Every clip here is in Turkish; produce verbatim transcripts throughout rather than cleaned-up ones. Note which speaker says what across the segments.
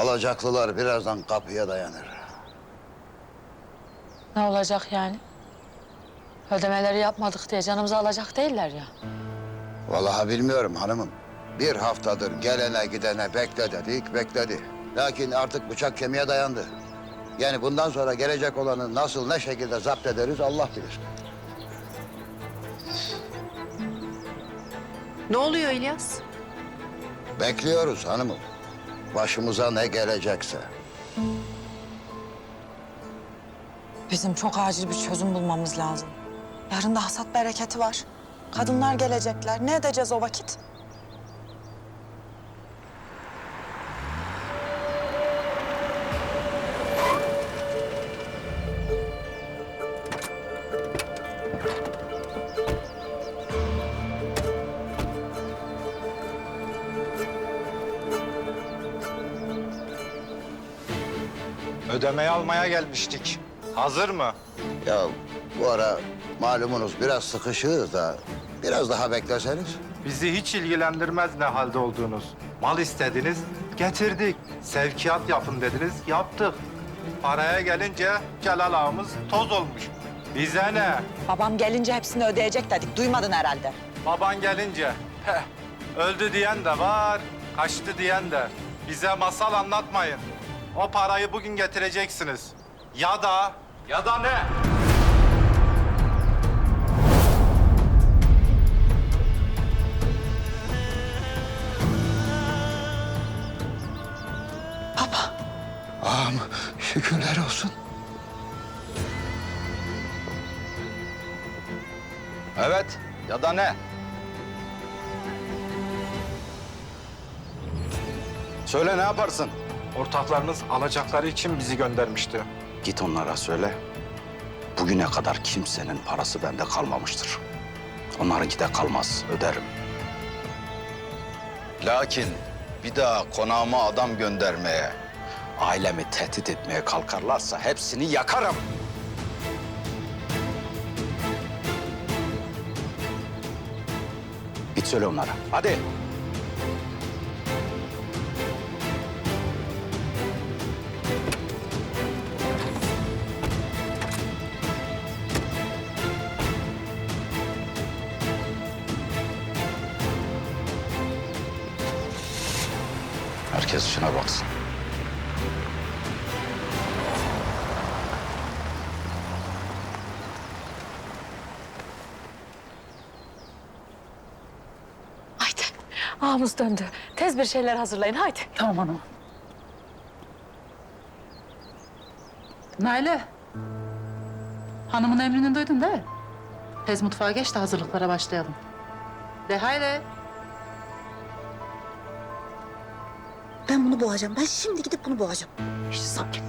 Speaker 1: Alacaklılar birazdan kapıya dayanır.
Speaker 2: Ne olacak yani? Ödemeleri yapmadık diye canımızı alacak değiller ya.
Speaker 1: Vallahi bilmiyorum hanımım. Bir haftadır gelene gidene bekle dedik, bekledi. Lakin artık bıçak kemiğe dayandı. Yani bundan sonra gelecek olanı nasıl, ne şekilde zapt ederiz Allah bilir.
Speaker 3: Ne oluyor İlyas?
Speaker 1: Bekliyoruz hanımım. Başımıza ne gelecekse.
Speaker 4: Bizim çok acil bir çözüm bulmamız lazım. Yarın da hasat bereketi var. Kadınlar gelecekler. Ne edeceğiz o vakit?
Speaker 5: Ödemeyi almaya gelmiştik. Hazır mı?
Speaker 1: Ya bu ara malumunuz biraz sıkışığız da biraz daha bekleseniz.
Speaker 5: Bizi hiç ilgilendirmez ne halde olduğunuz. Mal istediniz, getirdik. Sevkiyat yapın dediniz, yaptık. Paraya gelince Celal ağamız toz olmuş. Bize ne?
Speaker 4: Babam gelince hepsini ödeyecek dedik. Duymadın herhalde.
Speaker 5: Baban gelince, heh, öldü diyen de var, kaçtı diyen de. Bize masal anlatmayın. O parayı bugün getireceksiniz. Ya da, ya da ne?
Speaker 1: Ağam şükürler olsun.
Speaker 5: Evet, ya da ne?
Speaker 6: Söyle ne yaparsın?
Speaker 5: Ortaklarınız alacakları için bizi göndermişti.
Speaker 6: Git onlara söyle. Bugüne kadar kimsenin parası bende kalmamıştır. Onlarınki de kalmaz, öderim. Lakin bir daha konağıma adam göndermeye, ailemi tehdit etmeye kalkarlarsa hepsini yakarım. Git söyle onlara, hadi. Herkes şuna baksın.
Speaker 2: Haydi. Ağamız döndü. Tez bir şeyler hazırlayın haydi.
Speaker 7: Tamam hanım. Naile. Hanımın emrini duydun değil mi? Tez mutfağa geç de hazırlıklara başlayalım. De haydi.
Speaker 4: Ben bunu boğacağım. Ben şimdi gidip bunu boğacağım.
Speaker 7: İşte sakin.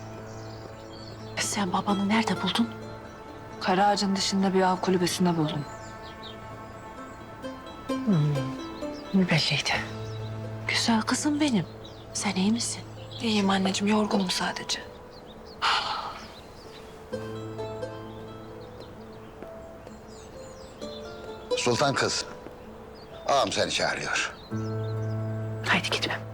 Speaker 2: Sen babanı nerede buldun? Kara ağacın dışında bir av kulübesinde buldum. Hmm, belliydi. Güzel kızım benim. Sen iyi misin?
Speaker 3: İyiyim anneciğim, yorgunum sadece.
Speaker 1: Sultan kız. Ağam seni çağırıyor.
Speaker 2: Haydi gitmem.